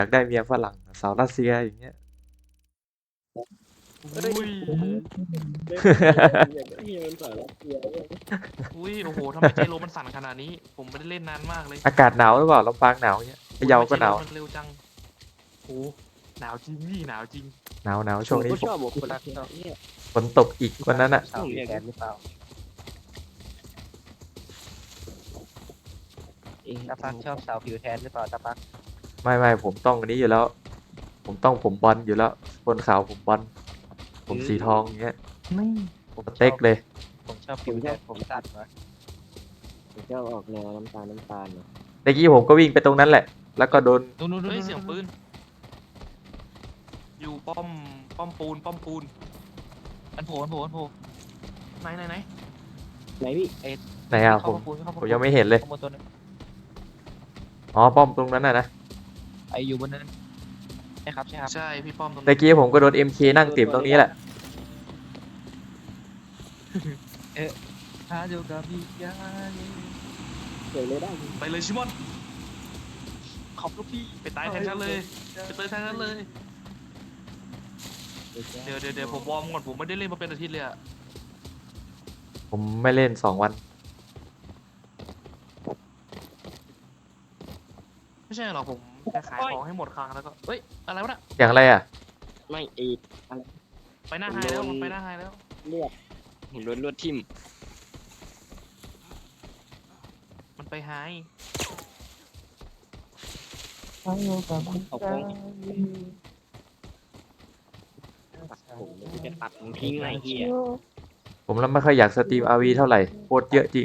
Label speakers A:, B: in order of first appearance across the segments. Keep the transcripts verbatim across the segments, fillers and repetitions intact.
A: อยากได้เมียฝรั่งสาวรัสเซียอย่างเงี้ย
B: อุ้ย
C: ที่มันสารเกียร์
B: อุ้ยโอ้โหทำไมใจโลมันสั่นขนาดนี้ ผมไม่ได้เล่นนานมากเลย
A: อากาศหนาวหรือเปล่าลำปางหนาวเงี้ยพะเยาก็หนาว
B: ทำไมใจโลมันเร็วจังโอ้หนาวจริงนี่หนาวจริง
A: หนาวหนาวช่วงนี้
C: ผมชอบบอกคนรักเขาเนี่ย
A: ฝนตกอีกวันนั้นอ่ะ
C: ผมอยากแกนหรือเปล่าเอง
D: ตาปักชอบสาวผิวแทนหรือเปล่าตาปัก
A: ไม่ไม่ผมต้องอันนี้อยู่แล้ว ผมต้องผมบอลอยู่แล้วคนขาวผมบอลผมสีทองอย่างเงี้ย
D: ไม่ผม
A: สเต็กเลย
D: ผมชอบผิวแทนผมตัดวะ
C: ผมชอบออกแนวน้ำตาลน้ำตาลเนาะ
A: เมื่อกี้ผมก็วิ่งไปตรงนั้นแหละ แล้วก็โดน
D: นู่นนู่น
B: เฮ้ยเสียงปืนอยู่ป้อมป้อมปูนป้อมปูน
D: มันโผล่มันโผล่มันโผล่
B: ไหนไหนไหน
C: ไหนพี่
A: ไหนอ่ะผม ผมยังไม่เห็นเลย
D: ข้างบนตัวนึง
A: อ๋อป้อมตรงนั้นน่ะนะ
D: ไออยู่บนนั้นใช่ครับใช่ครับ
B: ใช่พี่ป้อมตรง
A: เมื่อกี้ผมก็โดน เอ็ม เค นั่งติ่มตรงนี้แหละ
D: ถ้าอยู่กับพี่ยา
C: เดี๋ยวเลยได้
B: ไปเลยชิมอน
D: ขอบลูกพี่
B: ไปตายแทนฉันเลยไปตายแทนฉันเลย เดี๋ยวเดี๋ยวเดี๋ยวผมวอร์มก่อนผมไม่ได้เล่นมาเป็นอาทิตย์เลยอะ
A: ผมไม่เล่นสองวัน
B: ไม่ใช่หรอกผมแค่ขายของให้หมดคลังแล้วก็เฮ้ยอะไรวะน่ะ
A: อย่างอะไรอ่ะ
C: ไม่เอ็ด
B: ไปหน้าไฮแล้วผมไปหน้าไฮแล้ว
C: เลือดผมโดนลวดทิ่ม
B: มันไปไฮ
D: ถ้าอยู่กับพี่
C: เอาฟองผมจะตัดมันทิ้งไอ้เหี้ย
A: ผมแล้วไม่ค่อยอยากสตรีม อาร์ วี เท่าไหร่โคตรเยอะจริง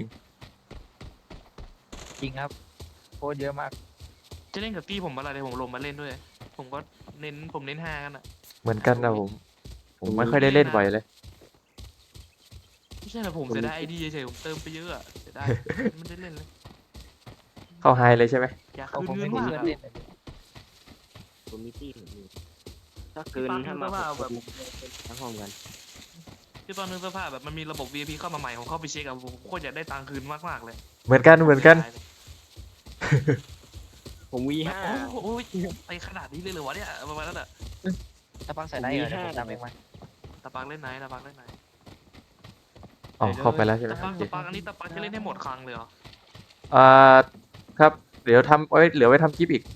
D: จริงครับโคตรเยอะมาก
B: จะเล่นกับตี้ผมอะไรเลยผมลงมาเล่นด้วย ผมก็เน้นผมเน้นฮากันอะ
A: เหมือนกันนะผม ผมไม่ค่อยได้เล่นบ่อยเลย
B: ไม่ใช่หรอกผมเสียดายไอดีเฉยๆผมเติมไปเยอะอะเสียดายไม่ได้เล่นเลย
A: เข้าไฮเลยใช่ไหม
B: อยาก
D: เขา
B: คืน
D: ผม
B: เงิ
D: ไม่
B: น
D: มี
B: มาก
D: เพื่อน
B: อะ
D: เล่นเลย
C: ผมมีที่ผมมีถ้าเกินถ้ามาแบบทั้งห้องกัน
B: ที่ตอนนึงสภาพแบบมันมีระบบ วี ไอ พี เข้ามาใหม่ผมเข้าไปเช็คอะผมโคตรอยากได้ตังค์คืนมากๆเลย
A: เหมือนกันเหมือนกัน
C: ผมวีห้า
B: โอ้โหไปขนาดนี้เลยเหรอวะเนี่ยประมาณนั้นอะ
D: ตาปักใส่ได้เหรอเดี๋ยวผมตามเองมา
B: ตะปักเล่นไหนตะปักเล่นไหน
A: อ๋อเข้าไปแล้วใช่ไหม
B: ตะปักตะปักอันนี้ตะปักจะเล่นให้หมดคลังเลยเหรอ
A: อ่าครับ เดี๋ยวทำไว้เหลือไว้ทำคลิปอีก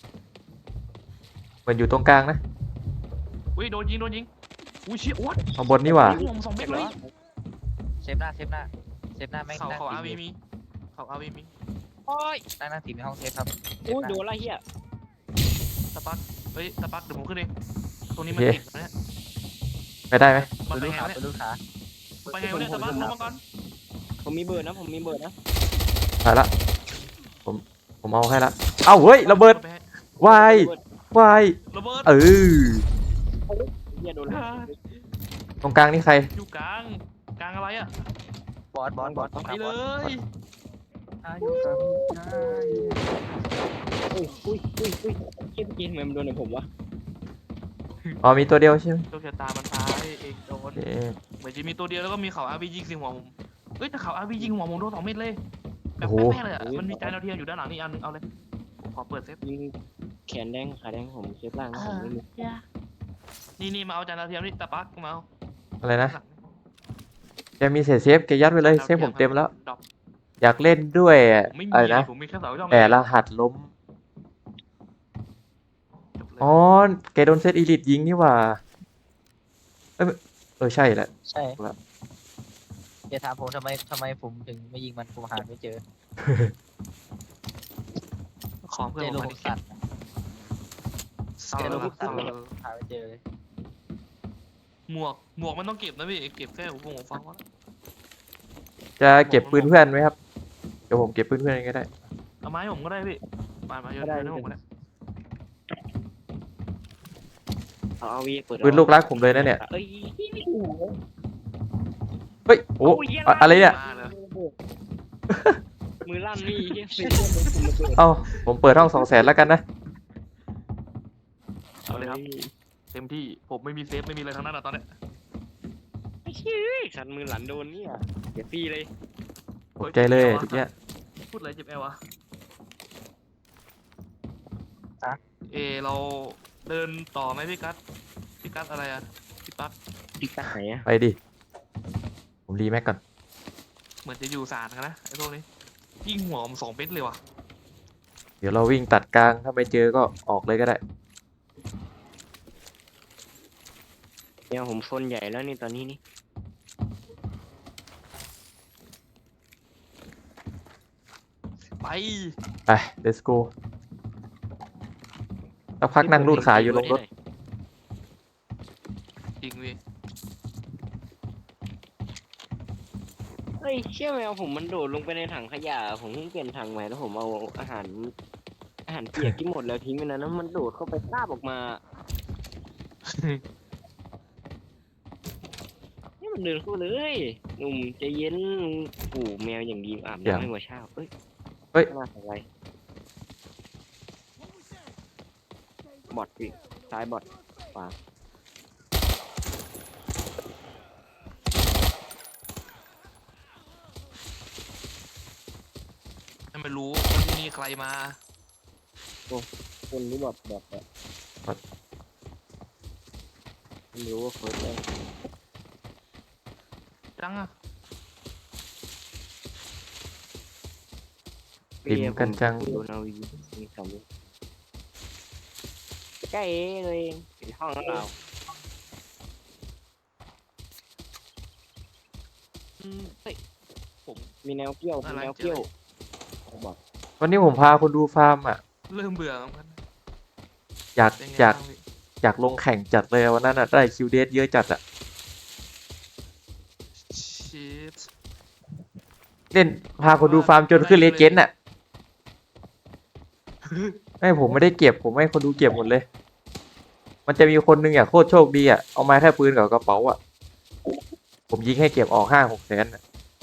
A: มันอยู่ตรงกลางนะ
B: อุ้ยโดนยิงโดนยิงอุ้ยเชี่ยโอ๊ต
A: ข้างบนนี่หว่า
B: ยิงผมสองเม็ดเลย
D: เซฟหน้าเซฟหน้าเซฟหน้าแม่ง
B: เขา
D: นั่ง
B: เขา
D: ตี
B: อาวี
D: อยู่
B: มีเขาอาวีมี
D: โอ้ยนั่งนั่งตีในห้องเซฟครับเซฟ
C: โอ้ย
D: หน้า
C: โดนละเหี้ย
B: ตะปักเฮ้ยตะปักเดี๋ยวผมขึ้นเองตรงนี้มัน
A: โอเค
B: ติดนะเนี่ย
A: ไปได้ไหม
B: มัน
D: ดู
B: ไป
D: ลูก
B: ไง
D: ขาว
B: เนี่ย
D: ดูลูกขา
B: ไปไงวะเนี่ยตะปักลงมาก่อน
C: ผมมีเบอร์นะผมมีเบอร์นะ
A: ไปละผมผมเอาให้ละเอ้าเฮ้ยระเบิด
B: ไปให้
A: วายว าย
B: ระเบิด
A: เออ
C: เหี้ยโดนละ
A: ตรงกลางนี่ใคร
B: อยู่กลางกลางอะไรอะ
D: บอสบอสบอส
B: ไปเลย
D: ถ้าอยู่กับพี่ยา
C: อุ้ยอุ้ยอุ้ยอุ้ยเหี้ยเมื่อกี้ทำไมมันโดนในผมวะ
A: อ๋อมีตัวเดียวใช่ไหม
B: โชคชะตามันพาให้เองโด
A: โอน เค
B: เหมือนจะมีตัวเดียวแล้วก็มีเขาอาวียิงสิหัวผมเฮ้ยแต่เขาอาวียิงหัวผมโดนสองเม็ดเลยแบบ
A: โอ้โห
B: แป๊ะๆเลยอะมันมีจานดาวเทียมอยู่ด้านหลังนี่อันนึงเอาเลยผมขอเปิดเซฟ
C: ยิงแขนแดงขาแดงผมเซฟล่างนะผมไม่มี
B: นี่นี่มาเอาจานดาวเทียมนี่ตะปักมาเอา
A: อะไรนะแกมีเศษเซฟแกยัดไปเลยเซฟผมเต็มแล้ว
B: ดอก
A: อยากเล่นด้วยอะ
B: ผมไม่มี
A: อะไรนะ
B: ผมมีแค่เสาช่อง
A: แอบรหัสล้ม
B: จบเลย
A: อ๋อแกโดนเซตอีลิทยิงนี่หว่าเอ้ยเออใช่แหละ
D: ใช่
A: ครับ
D: อย่าถามผมทำไมทำไมผมถึงไม่ยิงมันผมหาไม่เจอ
B: ของเพื่อน
D: เจ
B: ผ
D: โล
B: ม
D: ผ
B: มาม ดิ
D: สั่น
B: เศร้า
D: เจโล
B: แล้ว
D: ผมสั่น
B: เศร้าแล้ว
D: หาไม่เจอเลย
B: หมวกหมวกมันต้องเก็บนะพี่เก็บแค่หูฟังหูฟังวะ
A: จะเก็บปืนเพื่อนไหมครับเดี๋ยวผมเก็บปืนเพื่อนเองก็ได้
B: เอาไม้ผมก็ได้พี่มามาโยนโยนให้ผมก็ได้
C: เอาเอาวีเปิด
A: ปืนลูกรักผมเลยนะเนี่ย
C: เอ้ย
A: เฮ้ยโอ้อะอะไรเนี่ย
B: มาเลย
C: มือลั่นนี่เหี้ยเสียผมระเบิด
A: เอ้าผมเปิดห้องสองแสนแล้วกันนะ
B: เอาเลยครับเต็มที่ผมไม่มีเซฟไม่มีอะไรทั้งนั้นอะตอนเนี้ย
C: ไอ้เหี้ยขันมือหลันโดนเนี่ยเดี๋ยวฟรีเลย
A: ตกใจเลยทีเนี้ย
B: พูดอะไรเจ็บแอลวะเอเอเราเดินต่อไหมพี่กัสพี่กัสอะไรอะพี่ปั๊ก
C: ดิกัดไหนอะ
A: ไปดิ ผมรีแม็กก่อน
B: เหมือนจะอยู่สารกันนะไอ้พวกนี้ยิงหัวผมสองเม็ดเลยว่ะ
A: เดี๋ยวเราวิ่งตัดกลาง ถ้าไม่เจอก็ออกเลยก็ได้
C: เนี่ยผมโซนใหญ่แล้วนี่ตอนนี้นี่
B: ไป
A: ไป let's go สักพักนั่งรูดขาอยู่ลงรถ
B: จริงพี่
C: เฮ้ยเชี่ยแมวผมมันโดดลงไปในถังขยะผมเพิ่งเปลี่ยนถังใหม่แล้วผมเอาอาหารอาหารเปียกที่หมดแล้วทิ้งไปนั้นแล้วมันโดดเข้าไปคาบออกมานี่มันเดินเข้ามาเลยหนุ่มใจเย็นปู่แมวอย่างดีอาบ
A: เดี๋ยว
C: น้ำให้หัวเช้าเอ้ย
A: เฮ้ย
C: หน้าของอะไรบอดพี่ซ้ายบอดขวา
B: ให้มันรู้ว่าที่นี่ใครมา
C: คนนี้บอดบอดแบบ
A: บอด
C: ไม่รู้ว่าเฟิร์สได้
B: จังอะ
A: ปิ่มกันจัง
C: โดนเอายิงมีสองลูกใกล้เลยอยู่ห้องแล้วเรา
B: อืมเฮ้ยผม
C: มีแนวเกี้ยวมี
B: อะไร
C: แนวเกี้ยว
B: เจอ
C: บอก
A: วันนี้ผมพาคนดูฟาร์มอ่ะ
B: เริ่มเบื่อเหมือนกัน
A: อยาก
B: เป็นไง
A: อยาก
B: บ้างพี่
A: อยากลงแข่งจัดเลยวันนั้นอ่ะ ได้คิวเดสเยอะจัดอ่ะ
B: ชิป
A: เล่นพาคนดูฟาร์มจนขึ้นเลเจนด์อ่ะ ไม่ผมไม่ได้เก็บ ผมให้คนดูเก็บหมดเลย มันจะมีคนนึงอ่ะโคตรโชคดีอ่ะ เอามาแค่ปืนกับกระเป๋าอ่ะ ผมยิงให้เก็บออกห้าหกแสนอ่ะ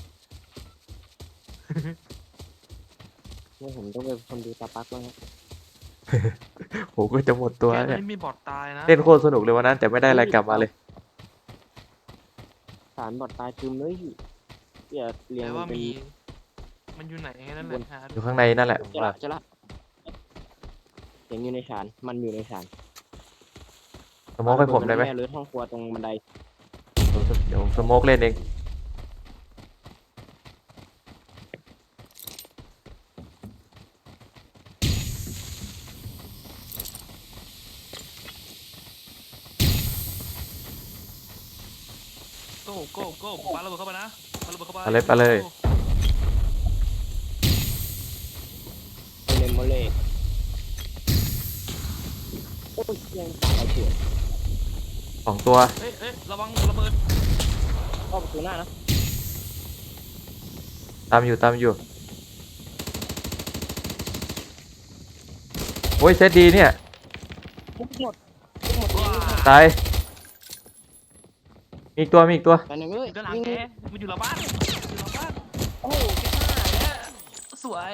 C: เนี่ยผมต้องเป็นคนดูตาปักบ้างนะ
A: ผมก็จะหมดตัว
B: แค่
A: แล้วเนี่ย
B: นี้มีบอดตายนะ
A: เล่นโคตรสนุกเลยวันนั้นแต่ไม่ได้อะไรกลับมาเลย
C: สารบอดตายซึมเลยเดี๋ยวเรียง
B: แต่
C: มั
B: ว่าน
C: เป็น
B: มี มันอยู่ไหนแค่นั้นแหละหา
A: อ
B: ดู
A: ยู่ข้างในนั่นแหละผม
C: จะ
A: ว่า
C: ละจะละเสียงอยู่ในสารมันอยู่ในสาร
A: สโมกให้ผมได้ไหม
C: แม่เลยห้องครัวตรงบันได
A: เดี๋ยวสโมกเล่นเอง
B: โก้โก้โก้ปาระเบิดเข้าไปนะปาระเบิดเข้าไป
A: ไปเลยไปเลย
C: เลมโมเล่โอ้ยยังเอาเฉื่อย
A: สองตัว
B: เอ้ยเอ้ยระวังระเบิด
C: เข้าประตูหน้านะ
A: ตามอยู่ตามอยู่โอ้ยเซตดีเนี่ย
C: ทุกหมดทุกหมดเลย
A: ตายมีอีกตัวมีอีกตัว
C: ไปหนึ่งเลย
B: อยู่ด้านหลัง
C: วิ่ง
B: แกมันอยู่หลังบ้านอยู่หลังบ้าน
C: โอ้โหเจ็บมากเลยอะ
B: สวย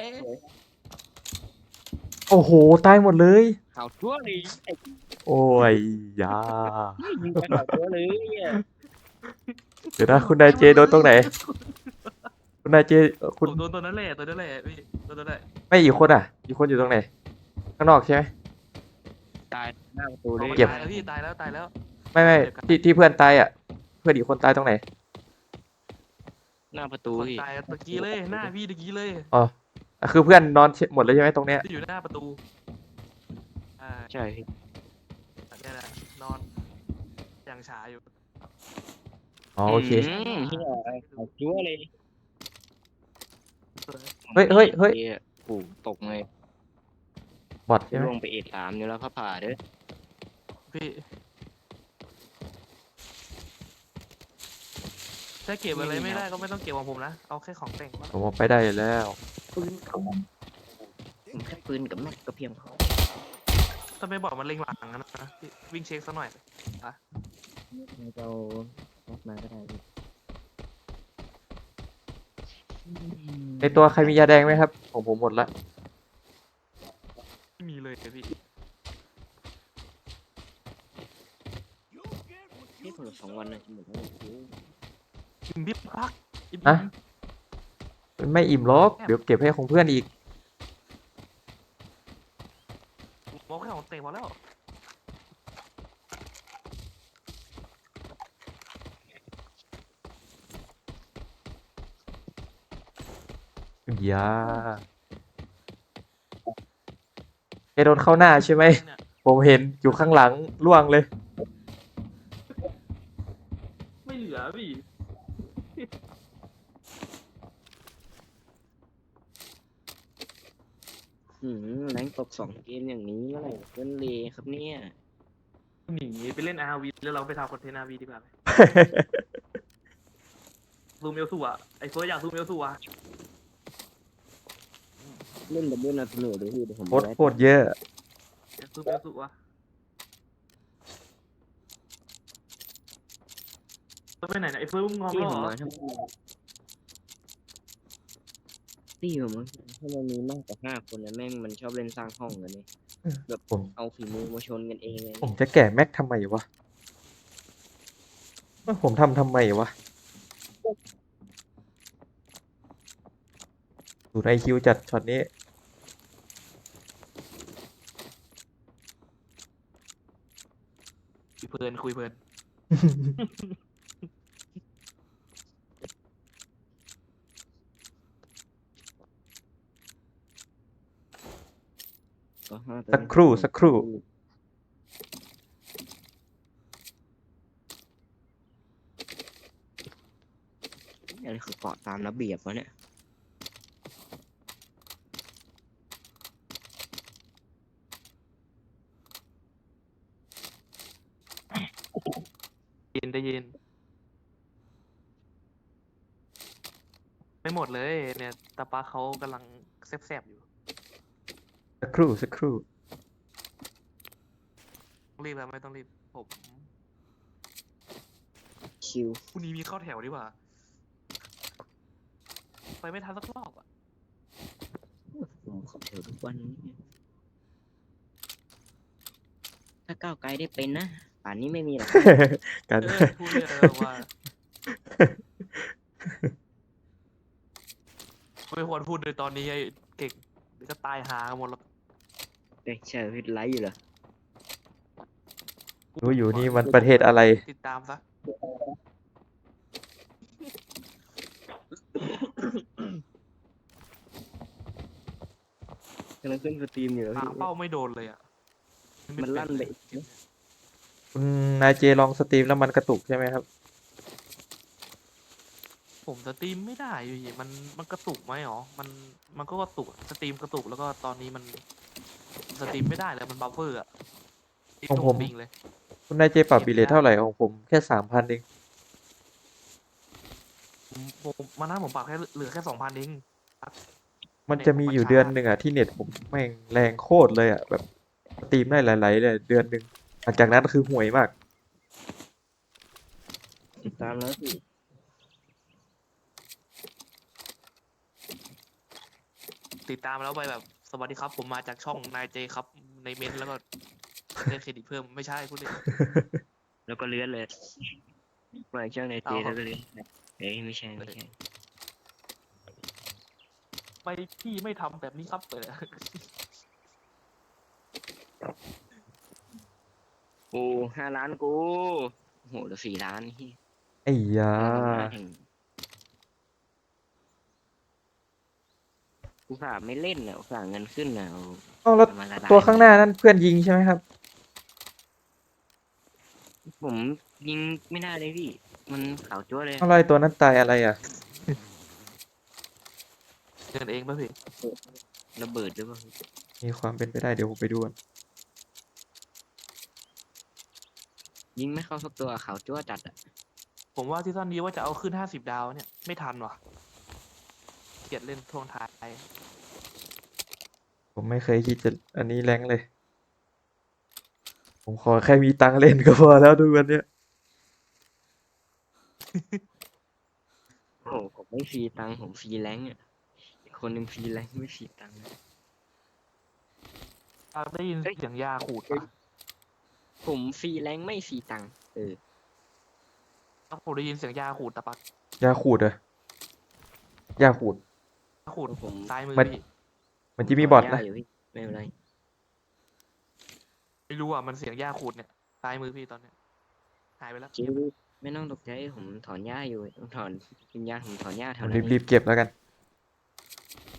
A: โอ้โหตายหมดเลย
C: ข่าวชั่วเลยไอ้
A: โอ้ยยา
C: ยิงไปข่าวชั่วเลยอะ
A: เดี๋ยวนะคุณนายเจโดนตรงไหน คุณนายเจเอ่อ
B: ผ
A: คุณ
B: มโดนตัวนั้นแหละตัวนั้นแหละพี่ตัวนั้นแหละ
A: ไม่อีกคนอ่ะ อีกคนอยู่ตรงไหน ข้างนอกใช่ไหม
C: ตายหน้าประตูเล
B: เอา
C: ย
B: มัน
A: เก็บ
B: ตายแล้วพี่ตายแล้วตายแล้ว
A: ไม่ไม่ที่ที่เพื่อนตายอ่ะ เพื่อนอีกคนตายตรงไหน
C: หน้าประตู
B: คน
C: พี่
B: ตายตะกี้เลยหน้าพี่ตะกี้เลย
A: อ๋ออ่ะคือเพื่อนนอนหมดเลยใช่ไหมตรงเนี้ย
B: ที่อยู่หน้าประตูอ่า
C: ใช่พี่
B: เนี่ยแหละนอนอย่างฉาอยู่
A: อ๋อโอเค
C: มเฮียข่าวชั่วเลย
A: เฮ้ยเฮ้ยเฮ้ย
C: หี้ปู่ตกเลย
A: บอทใช่ไหม
C: ลงไปเอ็ดสามอยู่แล้วพระผ่าเด้อ
B: พี่ถ้าเก็บอะไรไม่ได้ก็ไม่ต้องเก็บของผมนะเอาแค่ของแต่งมา
A: ผมออกไปได้แล้ว
C: ปืนเขาผมแค่ปืนกับแม็กก็เพียงพอ
B: ถ้าไม่บอกมันเล็งหลังนะนะพี่วิ่งเช็คซะหน่อย
C: เรารถมาก็ได้พี่
A: ในตัวใครมียาแดงไหมครับของผมหมดละ
B: ไม่มีเลยพี่
C: นี่ผมสองวันนะจะหมดแล้ว
B: อิ่มพี่พักอิ่ม
A: อะไม่อิ่มหรอกเดี๋ยวเก็บให้ของเพื่อนอีก
B: มองแค่ของเตะพอแล้ว
A: อย่าแกโดนเข้าหน้าใช่ไหม
B: เนี่ย
A: ผมเห็นอยู่ข้างหลังล่วงเลย
B: ไม่เหลือพี่
C: หืมแรงตกสองเกมอย่างนี้เมื่อไหร่เล่นเลครับเนี่ย
B: หนีไปเล่น อาร์ วี แล้วเราไปทำคอนเทนต์ อาร์ วี ดีกว่าไหมซูมเอลสูอ่ะไอ้เฟิร์สอยากซูมเอลสูอ่ะ
C: เล่นดับเบิลนาทูโนดูพี่เดี๋ยวผม
A: โคตร
C: ไว้
A: โคตรเยอะ
B: อยากซูมเอลสูอ่ะเฟิร์สไปไหนเนี่ยไอ้เฟิร์สมึงงอม
C: ที่
B: แล้ว
C: ผ
B: เหรอ
C: มมาทำไมที่ผมมาถ้ามันมีมากกว่าห้าคนนะแม่งมันชอบเล่นสร้างห้องกันเนี่ยแบบ
A: ผม
C: เอาฝีมือมาชนกันเองเลย
A: ผมจะแกะแม็กทำไมวะเอ้ยผมทำทำไมวะดูไอคิวจัดช็อตนี้
B: คุยเพลินคุยเพลิน
C: ก็ห้าตัว
A: สักครู่สักครู่
C: อันนี้คือเกาะตามระเบียบวะเนี่ย
B: ยินได้ยินไม่หมดเลยเนี่ยตาปาเขากำลังแซบๆอยู่
A: สักครู่สักครู่
B: ต้องรีบแล้วไม่ต้องรีบผม
C: คิว
B: พรุ่งนี้มีเข้าแถวดีกว่า ไปไม่ทันสักรอบอ่ะ
C: ผมขอเถอะทุกวันนี้ถ้าก้าวไกลได้เป็นนะป่านนี้ไม่มีหรอก
A: กัน
B: เออพูดเลยเออว่าไม่ควรพูดเลยตอนนี้ไอ้เก่งเดี๋ยวก็ตายหากันหมดแล้ว
C: เอ้ยใช่พิษไลฟ์อยู่เหรอ
A: รู้อยู่นี่มันประเทศอะไร
B: ติดตามซะ
C: กำลังขึ้นสตรีมอยู่แล้ว
B: หา
C: พี่
B: เป้าไม่โดนเลยอ่ะ
C: มันลั่นไป
A: คุณนายเจลองสตรีมแล้วมันกระตุกใช่ไหมครับ
B: ผมสตรีมไม่ได้อยู่ดีมันมันกระตุกไหมหรอ มันมันก็กระตุกอะสตรีมกระตุกแล้วก็ตอนนี้มันสตรีมไม่ได้แล้วมันบัฟเฟอร์อ่ะที่
A: ของ
B: ตร
A: ผม
B: บิงเลย
A: คุณนายเจปรับบิลเลทเท่าไหร่ของผมแค่สามพันเอง
B: ผมผมมาหน้าผมปรับแค่เหลือแค่สองพันเอง
A: มันจะมีอยู่เดือนหนึ่งอ่ะที่เน็ตผมแม่งแรงโคตรเลยอ่ะแบบสตรีมได้หลายๆเลยเดือนหนึ่งหลังจากนั้นคือห่วยมาก
C: ติดตามแล้วพี่
B: ติดตามแล้วไปแบบสวัสดีครับ ผมมาจากช่องนายเจครับในเมนต์แล้วก็ได้เครดิตเพิ่มไม่ใช่พูดเลย
C: แล้วก็เลื่อนเลยมาช่างในเจ
B: เอาครับ
C: แล้วก็เลื่อนเอ้ยไม่ใช่ไม่ใช่
B: ไปพี่ไม่ทำแบบนี้ครับเปิด
C: โอ้ห้าล้านกูโอ้โหเหลือสี่ล้านนี่
A: ไอ้ยา
C: อุตส่าห์ไม่เล่นน่ะอุตส่าห์เงินขึ้นน่ะเอา
A: เอาแล้ว
C: มาละลาย
A: ตัวข้างหน้านั่นเพื่อนยิงใช่ไหมครับ
C: ผมยิงไม่ได้เลยพี่ มันขาวจั๊วเลย
A: อะไรตัวนั้นตายอะไรอ่ะ
B: เดินเองป่ะพี่
C: ระเบิดหรือเปล่า
A: มีความเป็นไปได้เดี๋ยวผมไปดูก่อน
C: ยิงไม่เข้าสักตัวขาวจั๊วจัดอ่ะ
B: ผมว่าซีซั่นนี้ว่าจะเอาขึ้นห้าสิบดาวเนี่ยไม่ทันว่ะเกลียดเล่นทวงท้าย
A: ผมไม่เคยคิดจะอันนี้แรงเลย ผมขอแค่มีตังค์เล่นก็พอแล้วดูวันเนี้ย
C: โอ้โหผมไม่ฟรีตังค์ผมฟรีแรงค์อ่ะอีกคนหนึ่งฟรีแรงค์ไม่ฟรีตังค์อะ
B: อ่ะได้ยินเสียงยาขูดปะ
C: ผมฟรีแรงค์ไม่ฟรีตังค์เออ
B: อ่ะผมได้ยินเสียงยาขูดตะปัก
A: ยาขูดเหรอะยาขูด
B: ยาขูด
C: ผม
B: ซ้ายมือ
A: มัน
B: พี่
A: มันจะมีบอท
C: ย่า
A: นะ
C: อยู่พี่ไม่เป็นไร
B: ไม่รู้อ่ะมันเสียงยาขูดเนี่ยซ้ายมือพี่ตอนเนี้ยหายไปแล้ว
C: จริงไม่ต้องตกใจผมถอนหญ้าอยู่ถอนวิญญาณผมถอนหญ้าแถ
A: ผ
C: ว
A: ม
C: นั้น
A: รีบๆเก็บแล้วกัน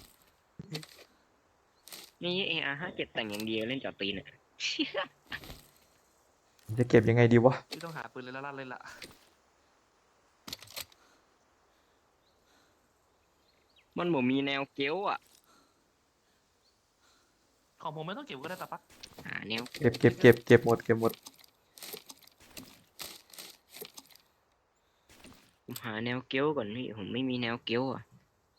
C: นี่เออาร์ห้าเจ็ดแต่งอย่างเดียวเล่นจอดตีนอ่ะ
A: ผมจะเก็บยังไงดีวะ
B: พี่ต้องหาปืนเลยละลั่นเลยล่ะ
C: มันบ่มีแนวเกี้ยวอ่ะ
B: ของผมไม่ต้องเก็บก็ได้ตาปัก
C: หาแนว
A: เก็บเก็บเก็บเก็บหมดเก็บหมด
C: ผมหาแนวเกี้ยวก่อนพี่ผมไม่มีแนวเกี้ยวอ่ะ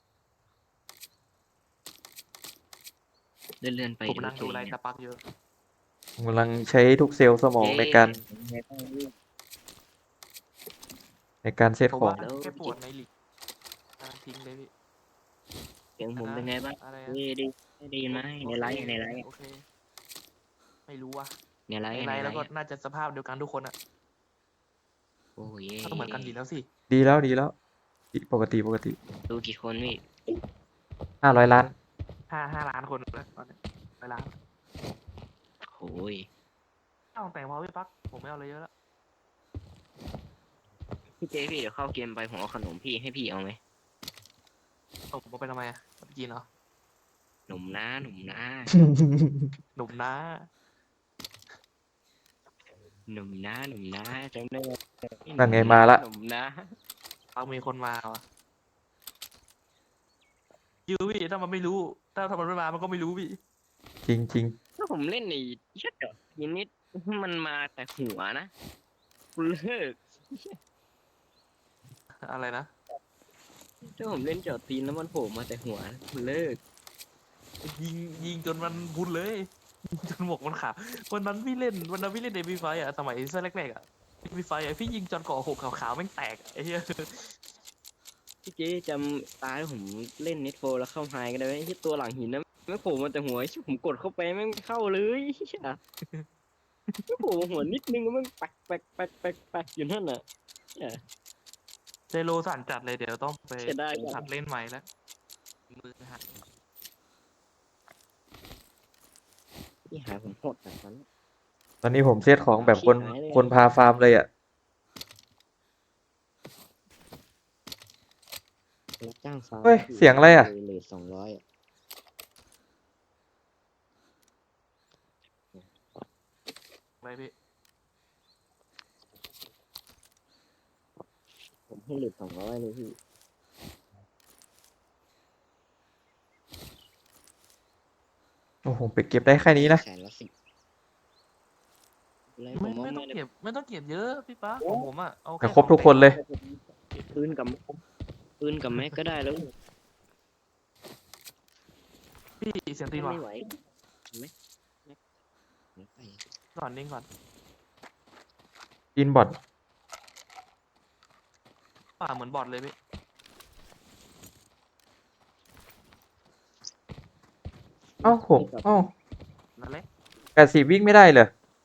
C: เลื่อนๆไป
B: ผมนั่งดู
C: ตัว
B: อะไร
C: เอง
B: ตาปักเยอะ
A: ผมกำลังใช้ทุกเซลล์สมองในการในการเซต
B: ผม
A: ของ
B: ว่าแค่ปวดในหลีกอ่ะทิ้งเลยพี่
C: เสียงผมเป็นไงบ้าง
B: อะไร
C: เอ้ยได้ได้ยินไหมในไลฟ์ในไลฟ์
B: โอเคไม่รู้ว่ะ
C: ในไล
B: ใน
C: ฟ์
B: ไล
C: ใน
B: น์
C: ไล
B: แล้วก็
C: ฟ์
B: น่าจะสภาพเดียวกันทุกคนอ่ะ
C: โอ้ย
B: ก็เหมือนกันดีแล้วสิ
A: ดีแล้วดีแล้วปกติปกติ
C: ดูกี่คนพี่
A: ห้าร้อยล้าน
B: ห้าห้าล้านคนแล้วตอนนี้ไปล้าน
C: โอ้ย
B: เอ้าแต่งพอพี่ปักผมไม่เอาอะไรเยอะแล้ว
C: พี่เจพี่เดี๋ยวเข้าเกมไปผมเอาขนมพี่ให้พี่เอาไหม
B: ผมเอาไปทำไมอ่ะเอาไปกินเหรอ
C: หนุ่มนะหนุ่มนะ
B: หนุ่มนะ
C: หนุ่มนะหนุ่มนะจำได้ไหม
A: นั่นไงมาละ
C: หนุ่มนะ
B: เอามีคนมาวะยูพี่ถ้ามันไม่รู้ ถ้าถ้ามันไม่มามันก็ไม่รู้พี่
A: จริงจริง
C: ถ้าผมเล่นในชัดเจาะยินนิดมันมาแต่หัวนะคุณเลิก
B: อะไรนะ
C: ถ้าผมเล่นเจาะตีนแล้วมันโผล่มาแต่หัวคุณเลิก
B: ยิงยิงจนมันพุนเลยยิงจนหมวกมันขาดวันนั้นพี่เล่นวันนั้นพี่เล่นเดบิวไฟอ่ะสมัยเซอร์แรกๆอ่ะเดบิวไฟอ่ะพี่ยิงจนเกาะหกขาวๆแม่งแตกอะไอ้เหี้ย
C: พี่เจ๊จำตาที่ผมเล่นเน็ตโฟแล้วเข้าไฮกันได้ไหมที่ตัวหลังหินนะไม่โผล่มาแต่หัวชิผมกดเข้าไปแม่งไม่เข้าเลยไม่โผล่มาหัวนิดนึงแล้วแม่งปักปักปักปักปักอยู่นั่นน่ะ
B: เจโรสั่นจัดเลยเดี๋ยวต้องไป
C: เสียดายจัง
B: หัดเล่นใหม่แล้วมือหัด
C: พี่หาผมโหดแบบนั้น
A: ตอนนี้ผมเซตของแบบคน
C: ชิบหายเลย
A: คนพาฟาร์มเลยอ่ะ
C: รับจ้างฟาร์ม
A: เฮ้ยเสียงอะไรอะ
C: เลทสองร้อยอะ
B: อะไรพี่
C: ผมให้เลทสองร้อยเลยพี่
A: โอ้โหไปเก็บได้แค่นี้นะ
C: แสนละสิบอะไรผ
B: ไม่
C: มว่า
B: ไม่ต้อง
C: ไม่ได้
B: เก็บไม่ต้องเก็บเยอะพี่ป๊าของผมอ่ะเอา
A: แต่
B: แค่
A: ครบทุกคนเลย
C: ปืนกับปืนกับแม็กก็ได้แล้ว
B: พี่เสียงตีนว่ะ
C: ไม่ไหวเห็นไหมแม็กแม็กไป
B: ก่อนนิ่งก่อน
A: อินบอท
B: ป่าเหมือนบอทเลยพี่
A: เอ้าผมเอ้า
B: นั่นแหละ
A: แปดสิบวิ่งไม่ได้เลย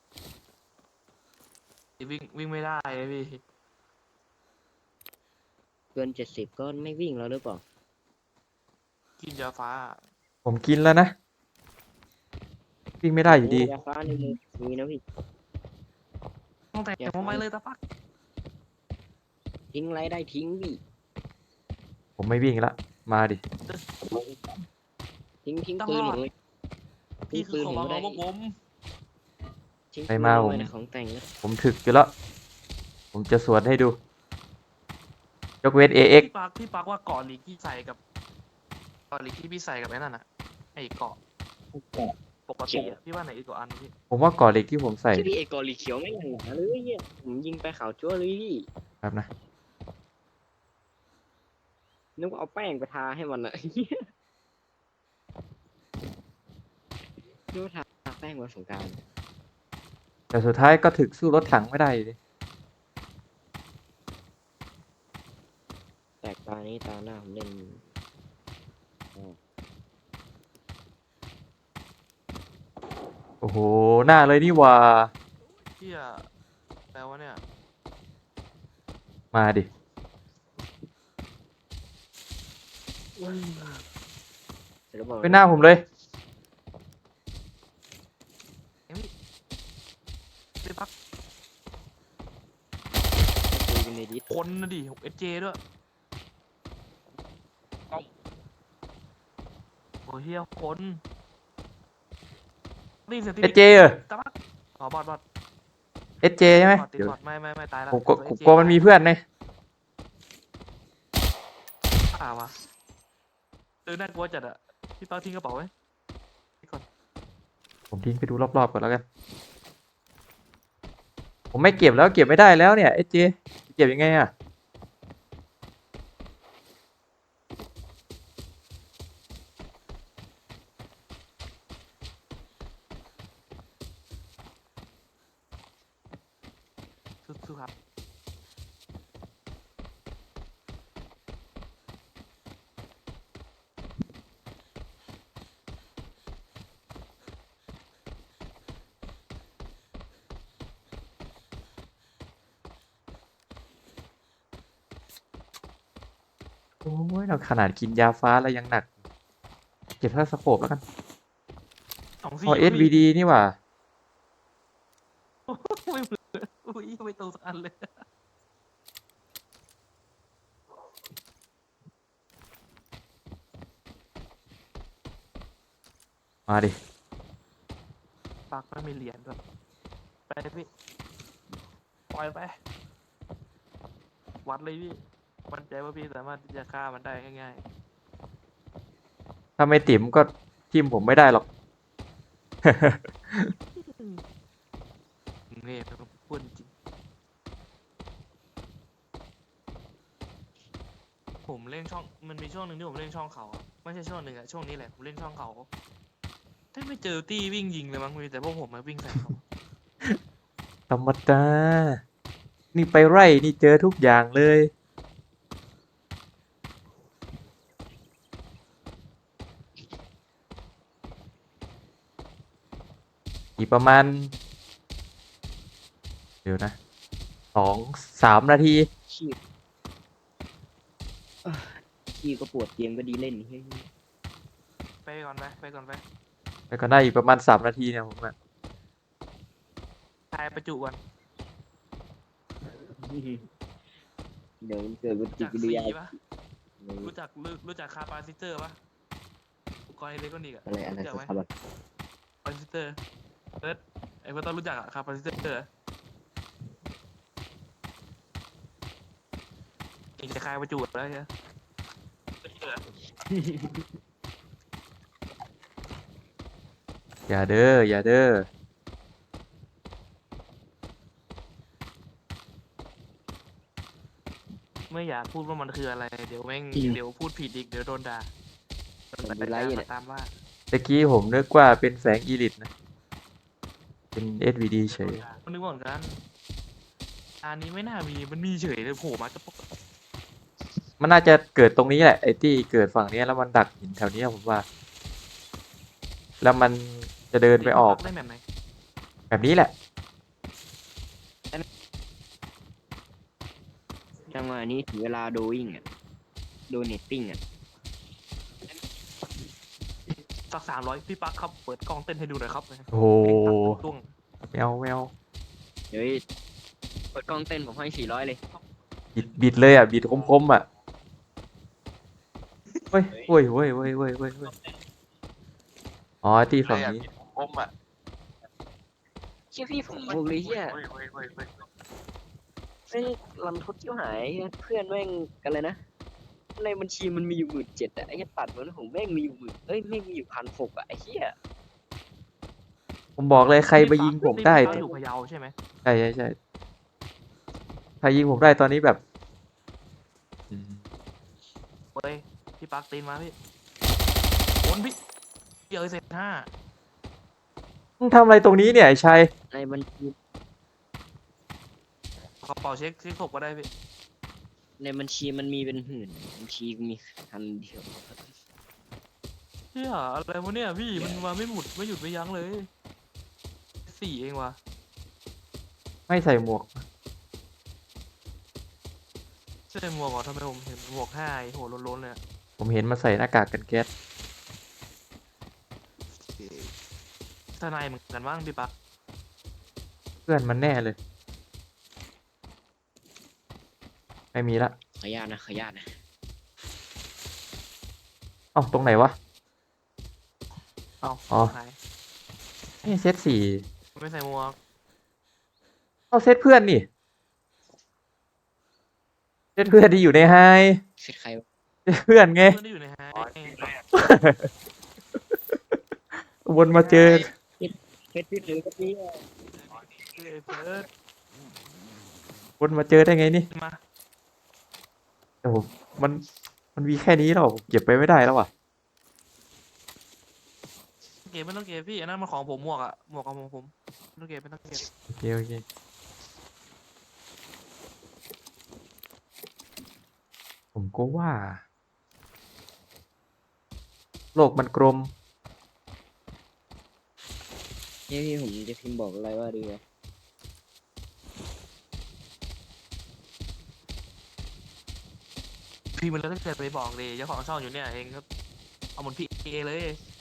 B: วิ่งวิ่งไม่ได้เลยพี่
C: เกินเจ็ดสิบก็ไม่วิ่งแล้วหรือเปล่า
B: กินยาฟ้า
A: ผมกินแล้วนะ วิ่งไม่ได้อยู่ดี
C: โยาฟ้าในมือมีนะพี่
B: ต้องแต่ง
C: ยาฟ้า
B: ทำไมเลยตาปัก
C: ทิ้งไรได้ทิ้งพี่
A: ผมไม่วิ่งละ มาดิ
C: ทิ้งทิ้ง
B: ต้อง
C: ปืน
B: รอ
C: ผ
B: ด
C: มเลย
B: พี่คือของเรา
C: ได้
B: พวกผม
C: ทิ้ง
A: ไป
C: ปืน
A: มา
C: ลง
A: ผม
C: ไปนะของแต่งนะ
A: ผมถึกอยู่แล้ว ผมจะสวนให้ดู ยกเว้น เอ เอ็กซ์
B: พี่ปักพี่ปักว่าเกาะหลีกที่ใส่กับเกาะหลีกที่พี่ใส่กับไอ้นั่นน่ะไอ้เกาะปกติอะพี่ว่าไหนอีกกว่าอันพี่
A: ผมว่าก่อเหล็กที่ผมใส่
C: ชื่อพี่เอกอลีเขียวไม่หนาเลยเนี่ยผมยิงไปขาวจั่วเลยพี่
A: ครับนะ
C: นึกว่าเอาแป้งไปทาให้มันอะ นึกว่าทาแป้งวันสงกรานต์
A: แต่สุดท้ายก็ถึกสู้รถถังไม่ได้ดิ
C: แตกตานี้ตาหน้าผมเล่น
A: โอ้โห หน้าเลยนี่หว่า
B: เที่ยแปลว่าเนี่ย
A: มาดิ
C: เสร็จแล้วบอก
A: เป็นหน้าผมเลย
B: เอ้ยพี่ปัก
C: คุยกันในดิส
B: คนนะดิเอสเจด้วยโอ้เฮียคนนี่เสียงตี
A: เอสเจเออ
B: ตะบักอ๋อบอดบอด
A: เอสเจใช่ไหม
B: บอดติด
A: เดี๋ยว
B: บอดไม่ไม่ไม่ตายแล้ว
A: ผมกลัว
B: ตัว
A: ผม
B: SJ
A: กลัวมันมีเพื่อนไง
B: อ่าวะเออน่ากลัวจัดอะพี่เป้าทิ้งกระเป๋าไว้ก่อน
A: ผมทิ้งไปดูรอบๆก่อนแล้วกัน ผมไม่เก็บแล้วเก็บไม่ได้แล้วเนี่ยเอสเจเก็บยังไงอ่ะ
B: สู้ๆครับ
A: โอ้ยเราขนาดกินยาฟ้าแล้วยังหนัก เก็บท่าสโคปแล้วกัน
B: สอง
A: พ
B: สี่
A: อ เอส วี ดี นี่หว่า
B: ไม่เหมือนอุ้ยไม่ตรงสักอันเลย
A: มาดิ
B: ปากไม่มีเหรียญด้วยไปเลยพี่ปล่อยไป วัดเลยพี่มั่นใจว่าพี่สามารถที่จะฆ่ามันได้ง่าย
A: ถ้าไม่ติ๋มก็ทิมผมไม่ได้หรอก
B: ๆนี่พูดจริงผมเล่นช่องมันมีช่วงหนึ่งที่ผมเล่นช่องเขาอะไม่ใช่ช่วงหนึ่งอะช่วงนี้แหละผมเล่นช่องเขาถ้าไม่เจอตี้วิ่งยิงเลยมั้งมีแต่พวกผมมาวิ่งใส่เขา
A: ธรรมดา นี่ไปไร่นี่เจอทุกอย่างเลย อีกประมาณ เดี๋ยวนะ สอง สามนาที
C: ชีพเอ้อชีพก็ปวดเกมก็ดีเล่นเฮ้ย
B: ไปก่อนไปไปก่อนไป
A: ไปก็ได้อีกประมาณสามนาทีเนี่ยผมอะ
B: ทายประจุก่อน
C: เดี๋ยวมันเกิดปฏิ
B: จาก
C: กิริ
B: สี
C: ยา
B: ปะรู้จักรู้รู้จักคาปาซิเตอร์ปะอุปกรณ์อิเล็กทรอนิกส์อะ
C: อะไรอะไร
B: รู้จัก
C: สั
B: ไหม
C: กคำอะ
B: คาปาซิเตอร์เอิร์ธไอ้พวกต้องรู้จักอะคาปาซิเตอร์เองจะคายประจุแล้วใช่ไหม
A: อย่าเด้อ อย่าเด้อ
B: ไม่อยากพูดว่ามันคืออะไร เดี๋ยวแม่งเดี๋ยวพูดผิดอีกเดี๋ยวโดนด่าโดน
C: ผม
B: ด่า
C: ดูไลฟ์อยู่เนี่ย
B: ตามว่า
A: ตะกี้ผมนึกว่าเป็นแสงอีลิตนะ เป็น เอส วี ดี เฉย
B: มันนึกว่าเหมือนกันอันนี้ไม่น่ามีมันมีเฉยเลยโผล่มาจะปก
A: มันน่าจะเกิดตรงนี้แหละไอ้ที่เกิดฝั่งเนี้ยแล้วมันดักหินแถวเนี้ยผมว่า แล้วมันจะเดินไปออก
B: ได้แบบไหน
A: แบบนี้แหละ
C: จังหวะนี้ถึงเวลาโดวิ่งอ่ะโดเนตติ้งอ่ะ
B: สักสามร้อยพี่ปักครับเปิดกล้องเต้นให้ดูหน่อยครับ
A: โอ้โห
B: ตุ้ง
A: แมวแมว
C: เฮ้ยเปิดกล้องเต้นผมให้สี่ร้อยเลย
A: บิดบิดเลยอ่ะ บิดคมๆอ่ะเฮ้ยเฮ้ยเฮ้ยเฮ้ยเฮ้ยเฮ้ยเฮ้ยอ๋อที่ฝั่งนี้
B: อมอ่ะ
C: เชี่ยพี่ผมบอกเลยเฮีย
B: เฮ้ยเฮ้ยเฮ้ยเฮ้ย
C: แม่งรันทดเที่ยวหายเพื่อนแม่งกันเลยนะในบัญชีมันมีอยู่หมื่นเจ็ดอะไอ้เหี้ยตัดมันผมแม่งมีอยู่หมื่นเอ้ยแม่งมีอยู่พันหกอะไอ้เหี้ย
A: ผมบอกเลยใครไปยิงผมได้
B: นี่พี่ปักอยู่พะเยาใช่ไหม
A: ใช่ใช่ใช่ใครยิงผมได้ตอนนี้แบบอืม
B: เฮ้ยพี่ปักตีนมาพี่โอนพี่เยอะเสร็จห้า
A: มึงทำอะไรตรงนี้เนี่ยไอ้ชัย
C: ในบัญชี
B: กระเป๋าเช็คเช็คศพก็ได้พี่
C: ในบัญชีมันมีเป็นหมื่นบัญชีมีพันเดียว
B: เฮียอะไรวะเนี่ยพี่มันมาไม่หมุดไม่หยุดไม่ยั้งเลยสี่เองวะ
A: ไม่ใส่หมวก
B: ใช่หมวกเหรอทำไมผมเห็นหมวกห้าไอ้โหล้นๆเลยอะ
A: ผมเห็นมาใส่หน้ากากกันแก๊ส
B: ทนายเหมือนกันบ้างพี่ปัก
A: เพื่อนมันแน่เลย ไม่มีละ
C: ขออนุญาตนะขออนุญาตนะ
A: เอ้าตรงไหนวะ
B: เอา
A: อ๋อ
B: หาย
A: นี่เซตสี่
B: ไม่ใส่หมวก
A: เอาเซตเพื่อนนี่เซตเพื่อนที่อยู่ในไฮ
C: เสร็จใครวะ
A: เซตเพื่อนไง
B: เพื่อนที่อยู่ในไฮ
A: วนมาเจอ
C: เพชรพี่หรือก็พี่
B: เอ้ยเฟิร์ส
A: วนมาเจอได้ไงนี่
B: มา
A: โอ้โหมันมันมีแค่นี้หรอผมเก็บไปไม่ได้แล้วอ่ะ
B: เก็บไม่ต้องเก็บพี่อันนั้นมันของผมหมวกอะหมวกของผมไม่ต้องเก็บไม่ต้องเก็บ
A: โอเคโอเคผมก็ว่า โลกมันกลม
C: เฮ้ยพี่ผมจะพิมพ์บอกอะไรว่าดีวะ
B: พี่มันเลยถ้าเกิดไปบอกเลยเจ้าของช่องอยู่เนี่ยเองครับเอาหมดพี่เอเลย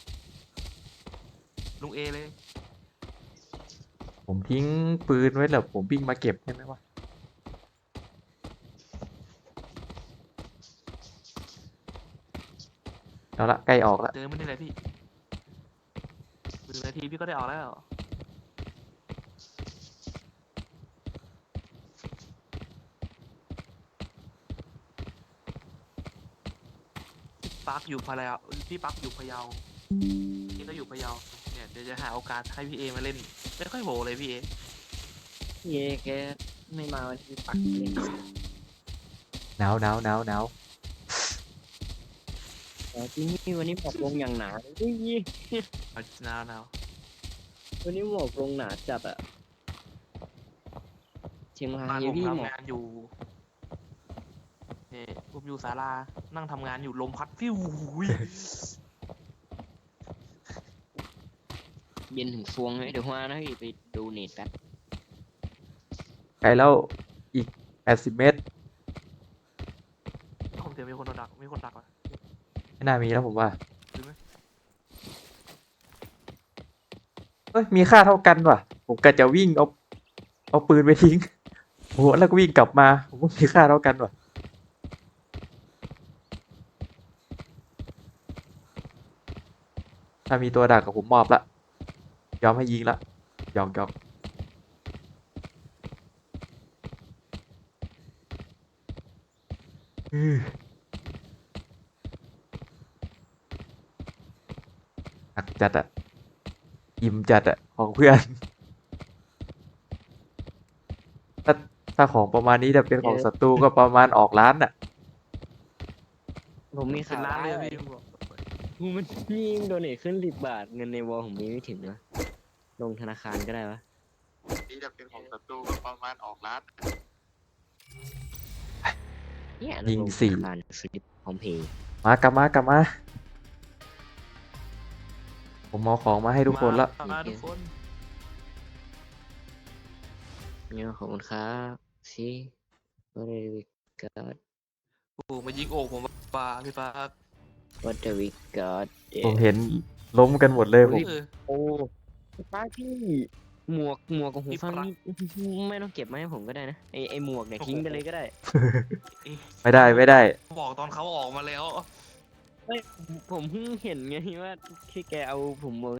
B: ลุงเอเลย
A: ผมทิ้งปืนไว้แล้วผมวิ่งมาเก็บใช่ไหมวะเอาละใกล้ออกละ
B: เดินไม่ได้เลยพี่หนึ่งนาทีพี่ก็ได้ออกแล้วปักอยู่พะเยาพี่ปักอยู่พะเยาพี่ก็อยู่พะเยาเนี่ยเดี๋ยวจะหาโอกาสให้พี่เอมาเล่นไม่ค่อยโหเลยพี่เอ
C: พี่เอแกไม่มาวันที่ปักเล่น
A: หนาวหนาวหนาวหนาว
C: แต่ที่นี่วันนี้หมอกลงอย่างหนาเลยอุ้ย
B: เอาหนาวหนาว
C: วันนี้หมอกลงหนาจัดอะเชียงรา
B: บ้าน
C: ย
B: ผม
C: พี่หมอก
B: ทำงานอยู่เนี่ยผมอยู่ศาลานั่งทำงานอยู่ลมพัดฟิวหุย
C: เย็นถึงฟวงเลยเดี๋ยวว่านะพี่ไปดูเน็ตแป๊บ
A: ไกลแล้วอีกแปดสิบเมตร
B: ผมเดี๋ยวมีคนโดนดักมีคนดักว่ะ
A: ไม่น่ามีแล้วผมว่า
B: รู้ไหม
A: เฮ้ยมีค่าเท่ากันว่ะ ผมก็จะวิ่งเอาเอาปืนไปทิ้งโอ้โหแล้วก็วิ่งกลับมา ผมว่ามีค่าเท่ากันว่ะ ถ้ามีตัวดักกับผมมอบละ ยอมให้ยิงละหยอกหยอกอือหนักจัดอะอิ่มจัดอะของเพื่อน ถ้าถ้าของประมาณนี้จะเป็นของศัตรูก็ประมาณออกร้านอะ
C: ผมมี
B: เป็น
C: ข่าว
B: ล้านเลยอะ
C: ร้
B: พี่
C: กูมันมีโดเนทขึ้นสิบบาทเงินในวอลผมมีไม่ถึงนะลงธนาคารก็ได้วะ
A: นี่จะเป็นของศัตรูก็ประมาณออกร้าน
C: เนี่ย
A: ยิง
C: ลธ
A: สี่
C: นาคารสลิปพร้อมเพย์
A: มากลับมากลับมา ผมเอาของมาให้ทุกคนละ
B: มาทุกคน
C: เนี่ยขอบคุณครับสิก็ได้ก็
B: โอ้โหมายิงโอกผมป่าพี่ปัก
C: What the we got
A: ผมเห็นล้มกันหมดเลยผม
B: เออ
C: โอ้ป้าพี่หมวกหมวกกับหู
B: พี่
C: ฟัง
B: ปลั๊ก
C: นี่ไม่ต้องเก็บมาให้ผมก็ได้นะไอไอหมวกเนี่ยทิ้งไปเลยก็ได้
A: ไม่ได้ไม่ได้
B: บอกตอนเขาออกมาแล้ว
C: ไม่ผมเพิ่งเห็นไงว่าที่แกเอาผมหมวก